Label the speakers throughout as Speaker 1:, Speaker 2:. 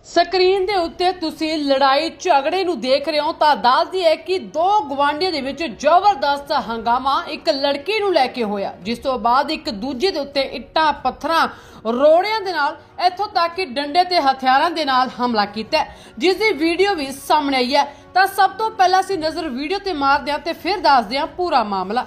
Speaker 1: Screen ਦੇ ਉੱਤੇ ਤੁਸੀਂ ਲੜਾਈ ਝਗੜੇ ਨੂੰ ਦੇਖ ਰਹੇ ਹੋ ਤਾਂ ਦੱਸਦੀ ਹੈ ਕਿ ਦੋ ਗਵਾਂਢੀਆਂ ਦੇ ਵਿੱਚ ਜ਼ਬਰਦਸਤ ਹੰਗਾਮਾ ਇੱਕ ਲੜਕੀ ਨੂੰ ਲੈ ਕੇ ਹੋਇਆ, ਜਿਸ ਤੋਂ ਬਾਅਦ ਇੱਕ ਦੂਜੇ ਦੇ ਉੱਤੇ ਇੱਟਾਂ ਪੱਥਰਾਂ ਰੋੜਿਆਂ ਦੇ ਨਾਲ ਇੱਥੋਂ ਤੱਕ ਕਿ ਡੰਡੇ ਤੇ ਹਥਿਆਰਾਂ ਦੇ ਨਾਲ ਹਮਲਾ ਕੀਤਾ, ਜਿਸ ਦੀ ਵੀਡੀਓ ਵੀ ਸਾਹਮਣੇ ਆਈ ਹੈ। ਤਾਂ ਸਭ ਤੋਂ ਪਹਿਲਾਂ ਅਸੀਂ ਨਜ਼ਰ ਵੀਡੀਓ ਤੇ ਮਾਰਦੇ ਹਾਂ ਤੇ ਫਿਰ ਦੱਸਦੇ ਹਾਂ ਪੂਰਾ ਮਾਮਲਾ।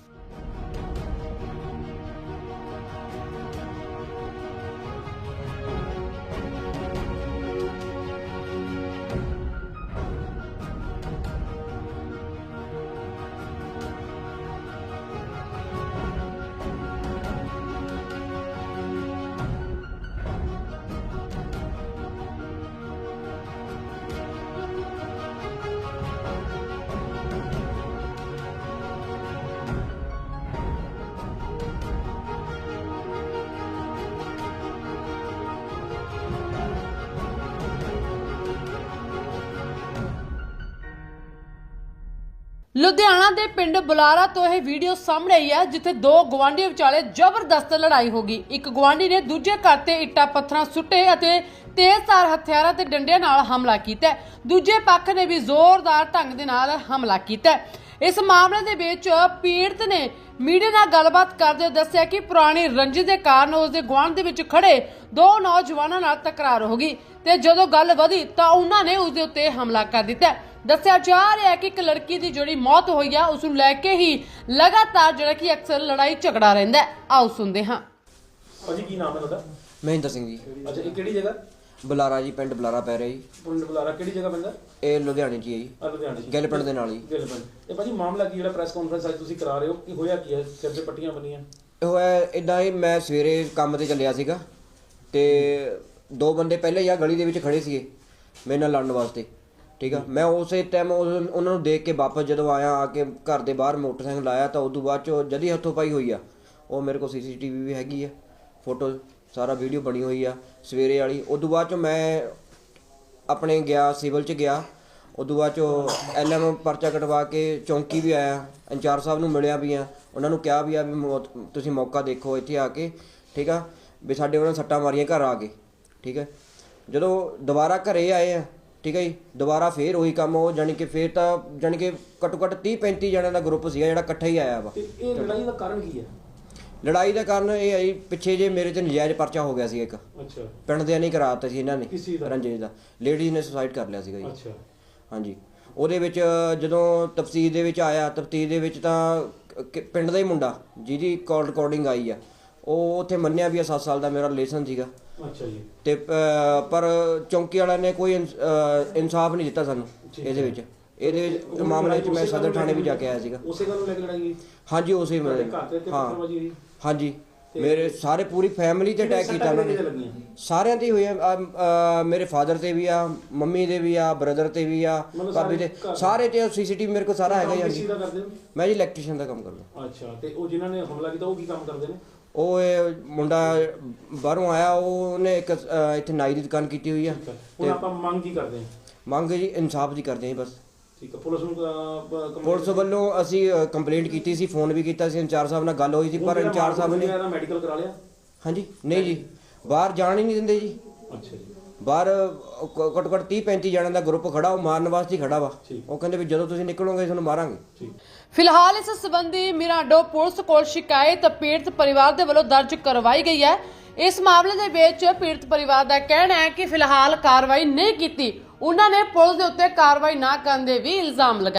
Speaker 1: ਲੁਧਿਆਣਾ ਦੇ ਪਿੰਡ ਬੁਲਾਰਾ ਤੋਂ ਇਹ ਵੀਡੀਓ ਸਾਹਮਣੇ ਆਈ ਹੈ, ਜਿੱਥੇ ਦੋ ਗਵਾਂਢੀਆਂ ਵਿਚਾਲੇ ਜ਼ਬਰਦਸਤ ਲੜਾਈ ਹੋ ਗਈ। ਇੱਕ ਗਵਾਂਢੀ ਨੇ ਦੂਜੇ ਘਰ ਤੇ ਇੱਟਾਂ ਪੱਥਰਾਂ ਸੁੱਟੇ ਅਤੇ ਤੇਜ਼ਧਾਰ ਹਥਿਆਰਾਂ ਤੇ ਡੰਡਿਆਂ ਨਾਲ ਹਮਲਾ ਕੀਤਾ। ਦੂਜੇ ਪੱਖ ਨੇ ਵੀ ਜ਼ੋਰਦਾਰ ਢੰਗ ਦੇ ਨਾਲ ਹਮਲਾ ਕੀਤਾ। ਇਸ ਮਾਮਲੇ ਦੇ ਵਿੱਚ ਪੀੜਤ ਨੇ ਮੀਡੀਆ ਨਾਲ ਗੱਲਬਾਤ ਕਰਦੇ ਹੋਏ ਦੱਸਿਆ ਕਿ ਪੁਰਾਣੀ ਰੰਜਿਸ਼ ਦੇ ਕਾਰਨ ਉਸ ਦੇ ਗੁਆਂਢ ਦੇ ਵਿੱਚ ਖੜੇ ਦੋ ਨੌਜਵਾਨਾਂ ਨਾਲ ਤਕਰਾਰ ਹੋ ਗਈ ਤੇ ਜਦੋਂ ਗੱਲ ਵਧੀ ਤਾਂ ਉਹਨਾਂ ਨੇ ਉਸ ਦੇ ਉੱਤੇ ਹਮਲਾ ਕਰ ਦਿੱਤਾ। ਦੱਸਿਆ ਜਾ ਰਿਹਾ ਹੈ ਕਿ ਇੱਕ ਲੜਕੀ ਦੀ ਜਿਹੜੀ ਮੌਤ ਹੋਈ ਹੈ, ਉਸ ਨੂੰ ਲੈ ਕੇ ਹੀ ਲਗਾਤਾਰ ਜਿਹੜਾ ਕਿ ਅਕਸਰ ਲੜਾਈ ਝਗੜਾ ਰਹਿੰਦਾ ਹੈ। ਆਓ ਸੁਣਦੇ ਹਾਂ।
Speaker 2: ਭਾਜੀ ਕੀ ਨਾਮ ਹੈ ਤੁਹਾਡਾ?
Speaker 3: ਮਹਿੰਦਰ ਸਿੰਘ ਜੀ।
Speaker 2: ਅੱਛਾ, ਇਹ ਕਿਹੜੀ ਜਗ੍ਹਾ?
Speaker 3: ਬੁਲਾਰਾ ਜੀ, ਪਿੰਡ ਬੁਲਾਰਾ ਪੈ ਰਿਹਾ ਜੀ।
Speaker 2: ਪਿੰਡ ਬੁਲਾਰਾ ਕਿਹੜੀ ਜਗ੍ਹਾ ਪੈਂਦਾ?
Speaker 3: ਇਹ ਲੁਧਿਆਣੇ 'ਚ ਹੀ ਹੈ ਜੀ।
Speaker 2: ਲੁਧਿਆਣੇ 'ਚ।
Speaker 3: ਗਿੱਲ ਪਿੰਡ ਦੇ ਨਾਲ ਹੀ।
Speaker 2: ਗਿੱਲ ਪਿੰਡ। ਇਹ ਭਾਜੀ ਮਾਮਲਾ ਕੀ ਜਿਹੜਾ ਪ੍ਰੈਸ ਕਾਨਫਰੰਸ ਅੱਜ ਤੁਸੀਂ ਕਰਾ ਰਹੇ ਹੋ, ਕੀ ਹੋਇਆ ਕੀ ਹੈ? ਸਿਰ ਤੇ ਪੱਟੀਆਂ ਬੰਨੀਆਂ?
Speaker 3: ਇਹ ਹੋਇਆ ਇਦਾਂ ਹੀ, ਮੈਂ ਸਵੇਰੇ ਕੰਮ ਤੇ ਚੱਲਿਆ ਸੀਗਾ ਤੇ ਦੋ ਬੰਦੇ ਪਹਿਲੇ ਹੀ ਆ ਗਲੀ ਦੇ ਵਿੱਚ ਖੜੇ ਸੀਗੇ ਮੇਰੇ ਨਾਲ ਲੜਨ ਵਾਸਤੇ, ਠੀਕ ਆ। ਮੈਂ ਉਸੇ ਟਾਈਮ ਉਹਨਾਂ ਨੂੰ ਦੇਖ ਕੇ ਵਾਪਸ ਜਦੋਂ ਆਇਆ, ਆ ਕੇ ਘਰ ਦੇ ਬਾਹਰ ਮੋਟਰਸਾਈਕਲ ਲਾਇਆ ਤਾਂ ਉਦੋਂ ਬਾਅਦ 'ਚੋਂ ਜਦੀ ਹੱਥੋਂ ਪਾਈ ਹੋਈ ਆ। ਉਹ ਮੇਰੇ ਕੋਲ CCTV ਵੀ ਹੈਗੀ ਆ, ਫੋਟੋ ਸਾਰਾ ਵੀਡੀਓ ਬਣੀ ਹੋਈ ਆ ਸਵੇਰੇ ਵਾਲੀ। ਉਦੋਂ ਬਾਅਦ 'ਚੋਂ ਮੈਂ ਆਪਣੇ ਗਿਆ ਸਿਵਲ 'ਚ ਗਿਆ, ਉਦੋਂ ਬਾਅਦ 'ਚੋਂ LM ਪਰਚਾ ਕਟਵਾ ਕੇ ਚੌਂਕੀ ਵੀ ਆਇਆ, ਇੰਚਾਰਜ ਸਾਹਿਬ ਨੂੰ ਮਿਲਿਆ ਵੀ ਆ, ਉਹਨਾਂ ਨੂੰ ਕਿਹਾ ਵੀ ਆ ਵੀ ਤੁਸੀਂ ਮੌਕਾ ਦੇਖੋ ਇੱਥੇ ਆ ਕੇ, ਠੀਕ ਆ, ਵੀ ਸਾਡੇ ਉਹਨਾਂ ਸੱਟਾਂ ਮਾਰੀਆਂ ਘਰ ਆ ਕੇ, ਠੀਕ ਹੈ। ਜਦੋਂ ਦੁਬਾਰਾ ਘਰੇ ਆਏ ਆ, ਠੀਕ ਹੈ ਜੀ, ਦੁਬਾਰਾ ਫੇਰ ਉਹੀ ਕੰਮ, ਉਹ ਜਾਣੀ ਕਿ ਫੇਰ ਤਾਂ ਜਾਣੀ ਕਿ ਘੱਟੋ ਘੱਟ 30-35 ਜਣਿਆਂ ਦਾ ਗਰੁੱਪ ਸੀਗਾ ਜਿਹੜਾ ਇਕੱਠਾ ਹੀ ਆਇਆ ਵਾ।
Speaker 2: ਇਹ ਲੜਾਈ ਦਾ ਕਾਰਨ ਕੀ ਹੈ?
Speaker 3: ਲੜਾਈ ਦਾ ਕਾਰਨ ਇਹ ਹੈ ਜੀ, ਪਿੱਛੇ ਜੇ ਮੇਰੇ ਤੇ ਨਜਾਇਜ਼ ਪਰਚਾ ਹੋ ਗਿਆ ਸੀ ਇੱਕ।
Speaker 2: ਅੱਛਾ।
Speaker 3: ਪਿੰਡ ਦੇ ਨਹੀਂ ਕਰਾਤਾ ਸੀ ਇਹਨਾਂ ਨੇ,
Speaker 2: ਕਿਸੇ ਦਾ?
Speaker 3: ਰੰਜਿਸ਼ ਦਾ। ਲੇਡੀਜ਼ ਨੇ ਸੁਸਾਈਡ ਕਰ ਲਿਆ ਸੀਗਾ ਜੀ।
Speaker 2: ਅੱਛਾ।
Speaker 3: ਹਾਂਜੀ, ਉਹਦੇ ਵਿੱਚ ਜਦੋਂ ਤਫਸੀਰ ਦੇ ਵਿੱਚ ਆਇਆ, ਤਫਤੀਸ਼ ਦੇ ਵਿੱਚ ਤਾਂ ਪਿੰਡ ਦਾ ਹੀ ਮੁੰਡਾ ਜਿਹਦੀ ਕਾਲ ਰਿਕਾਰਡਿੰਗ ਆਈ ਆ, ਉਹ ਉੱਥੇ ਮੰਨਿਆ ਵੀ ਆ 7 ਸਾਲ ਦਾ ਮੇਰਾ ਰਿਲੇਸ਼ਨ ਸੀਗਾ।
Speaker 2: ਅੱਛਾ ਜੀ।
Speaker 3: ਤੇ ਪਰ ਚੌਂਕੀ ਵਾਲਿਆਂ ਨੇ ਕੋਈ ਇਨਸਾਫ ਨਹੀਂ ਦਿੱਤਾ ਸਾਨੂੰ ਇਹਦੇ ਮਾਮਲੇ 'ਚ। ਮੈਂ ਸਦਰ ਥਾਣੇ ਵੀ ਜਾ ਕੇ ਆਇਆ ਸੀਗਾ।
Speaker 2: ਉਸੇ ਗੱਲ ਨੂੰ ਲੈ ਕੇ ਲੜਾਈ ਹੋਈ?
Speaker 3: ਹਾਂਜੀ, ਉਸੇ
Speaker 2: ਘਰ ਤੇ ਪੱਥਰਬਾਜ਼ੀ ਹੋਈ?
Speaker 3: ਹਾਂਜੀ, ਮੇਰੇ ਸਾਰੇ ਪੂਰੀ ਫੈਮਿਲੀ ਤੇ ਅਟੈਕ ਕੀਤਾ ਉਹਨਾਂ ਨੇ। ਸਾਰਿਆਂ ਤੇ ਹੋਇਆ, ਮੇਰੇ ਫਾਦਰ ਤੇ ਵੀ ਆ, ਮੰਮੀ ਦੇ ਵੀ ਆ, ਬ੍ਰਦਰ ਤੇ ਵੀ ਆ, ਭਾਬੀ ਤੇ, ਸਾਰੇ ਤੇ। CCTV ਮੇਰੇ ਕੋਲ ਸਾਰਾ ਹੈਗਾ ਜੀ। ਮੈਂ ਜੀ ਇਲੈਕਟ੍ਰੀਸ਼ੀਅਨ ਦਾ ਕੰਮ ਕਰਦਾ।
Speaker 2: ਅੱਛਾ। ਤੇ ਉਹ ਜਿਨ੍ਹਾਂ ਨੇ ਹਮਲਾ ਕੀਤਾ ਉਹ ਕੀ ਕੰਮ ਕਰਦੇ ਨੇ?
Speaker 3: ਉਹ ਇਹ ਮੁੰਡਾ ਬਾਹਰੋਂ ਆਇਆ, ਉਹਨੇ ਇੱਕ ਇੱਥੇ ਨਾਈ ਦੀ ਦੁਕਾਨ ਕੀਤੀ ਹੋਈ ਆ।
Speaker 2: ਹੁਣ ਆਪਾਂ ਮੰਗ ਕੀ ਕਰਦੇ ਹਾਂ?
Speaker 3: ਮੰਗ ਜੀ ਇਨਸਾਫ ਦੀ ਕਰਦੇ ਹਾਂ ਬਸ।
Speaker 2: ਠੀਕ ਹੈ। ਪੁਲਿਸ ਨੂੰ
Speaker 3: ਪੁਲਿਸ ਵੱਲੋਂ ਅਸੀਂ ਕੰਪਲੇਂਟ ਕੀਤੀ ਸੀ, ਫੋਨ ਵੀ ਕੀਤਾ ਸੀ, ਇੰਚਾਰਜ ਸਾਹਿਬ ਨਾਲ ਗੱਲ ਹੋਈ ਸੀ, ਪਰ ਇੰਚਾਰਜ ਸਾਹਿਬ ਨੇ
Speaker 2: ਮੈਡੀਕਲ ਕਰਾ ਲਿਆ? ਹਾਂਜੀ।
Speaker 3: ਨਹੀਂ ਜੀ, ਬਾਹਰ ਜਾਣ ਹੀ ਨਹੀਂ ਦਿੰਦੇ ਜੀ।
Speaker 2: ਅੱਛਾ ਜੀ। ਬਾਹਰ
Speaker 3: ਘੱਟੋ ਘੱਟ 30-35 ਜਣਿਆਂ ਦਾ ਗਰੁੱਪ ਖੜਾ, ਉਹ ਮਾਰਨ ਵਾਸਤੇ ਹੀ ਖੜਾ ਵਾ। ਉਹ ਕਹਿੰਦੇ ਵੀ ਜਦੋਂ ਤੁਸੀਂ ਨਿਕਲੋਗੇ ਤੁਹਾਨੂੰ ਮਾਰਾਂਗੇ।
Speaker 1: ਫਿਲਹਾਲ ਇਸ ਸੰਬੰਧੀ ਮਿਰਾਂਡੋ ਪੁਲਿਸ ਕੋਲ ਸ਼ਿਕਾਇਤ ਪੀੜਤ ਪਰਿਵਾਰ ਦੇ ਵੱਲੋਂ ਦਰਜ ਕਰਵਾਈ ਗਈ ਹੈ। ਇਸ ਮਾਮਲੇ ਦੇ ਵਿੱਚ ਪੀੜਤ ਪਰਿਵਾਰ ਦਾ ਕਹਿਣਾ ਹੈ ਕਿ ਫਿਲਹਾਲ ਕਾਰਵਾਈ ਨਹੀਂ ਕੀਤੀ। ਉਹਨਾਂ ਨੇ ਪੁਲਿਸ ਦੇ ਉੱਤੇ ਕਾਰਵਾਈ ਨਾ ਕਰਨ ਦੇ ਵੀ ਇਲਜ਼ਾਮ ਲਗਾਏ।